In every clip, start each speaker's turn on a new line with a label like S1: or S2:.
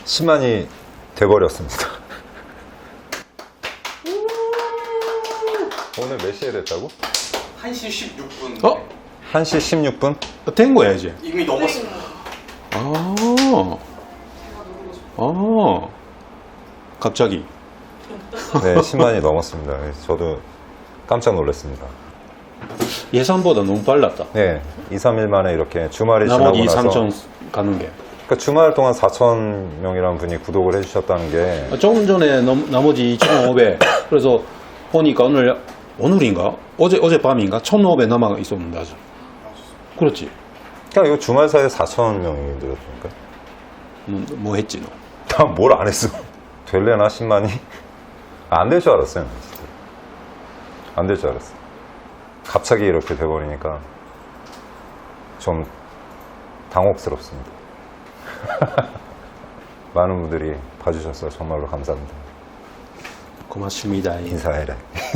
S1: 10만이 돼버렸습니다. 오늘 몇 시에 됐다고?
S2: 1시 16분.
S1: 1시 16분?
S3: 된 거야 이제.
S2: 이미 넘었습니다.
S3: 갑자기.
S1: 네, 10만이 넘었습니다. 저도 깜짝 놀랐습니다.
S3: 예상보다 너무 빨랐다.
S1: 네, 2, 3일 만에 이렇게 주말이
S3: 나머지
S1: 지나고
S3: 2,
S1: 나서
S3: 3천 가는 게.
S1: 그러니까 주말 동안 4,000명이라는 분이 구독을 해주셨다는 게
S3: 조금 전에 나머지 2,500. 그래서 보니까 오늘인가? 어젯밤인가? 1,500 남아 있었는데 아주. 그렇지.
S1: 그냥 이거 주말 사이에 4,000명이 늘었으니까
S3: 뭐 했지 너?
S1: 난 뭘 안 했어. 될래나 10만이? 안 될 줄 알았어요. 진짜. 안 될 줄 알았어. 갑자기 이렇게 돼버리니까 좀 당혹스럽습니다. 많은 분들이 봐주셔서 정말로 감사합니다.
S3: 고맙습니다.
S1: 인사해라.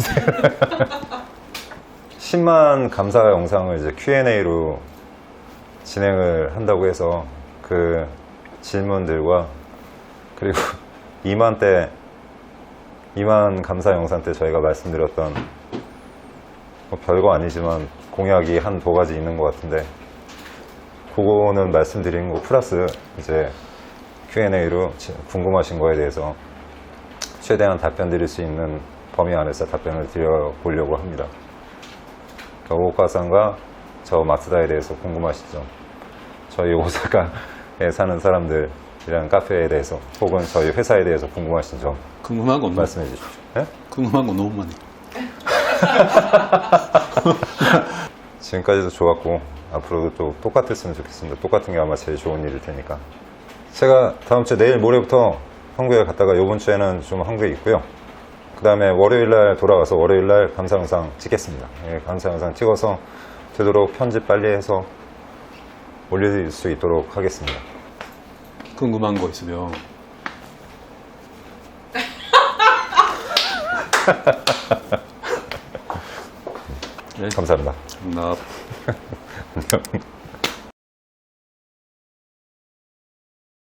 S1: 10만 감사 영상을 이제 Q&A로 진행을 한다고 해서 그 질문들과 그리고 2만 감사 영상 때 저희가 말씀드렸던 뭐 별거 아니지만 공약이 한 두 가지 있는 것 같은데 그거는 말씀드린 거 플러스 이제 Q&A로 궁금하신 거에 대해서 최대한 답변 드릴 수 있는 범위 안에서 답변을 드려보려고 합니다. 오카상과 저 마츠다에 대해서 궁금하시죠? 저희 오사카에 사는 사람들이랑 카페에 대해서 혹은 저희 회사에 대해서 궁금하신 점
S3: 궁금한 건
S1: 말씀해 주십시오. 네?
S3: 궁금한 건 너무 많네.
S1: 지금까지도 좋았고 앞으로도 또 똑같았으면 좋겠습니다. 똑같은 게 아마 제일 좋은 일일 테니까. 제가 다음 주 내일 모레부터 한국에 갔다가 이번 주에는 좀 한국에 있고요. 그 다음에 월요일날 돌아가서 월요일날 감사 영상 찍겠습니다. 예, 감사 영상 찍어서 되도록 편집 빨리 해서 올릴 수 있도록 하겠습니다.
S3: 궁금한 거 있으면
S1: 감사합니다.
S3: 나
S1: 안녕.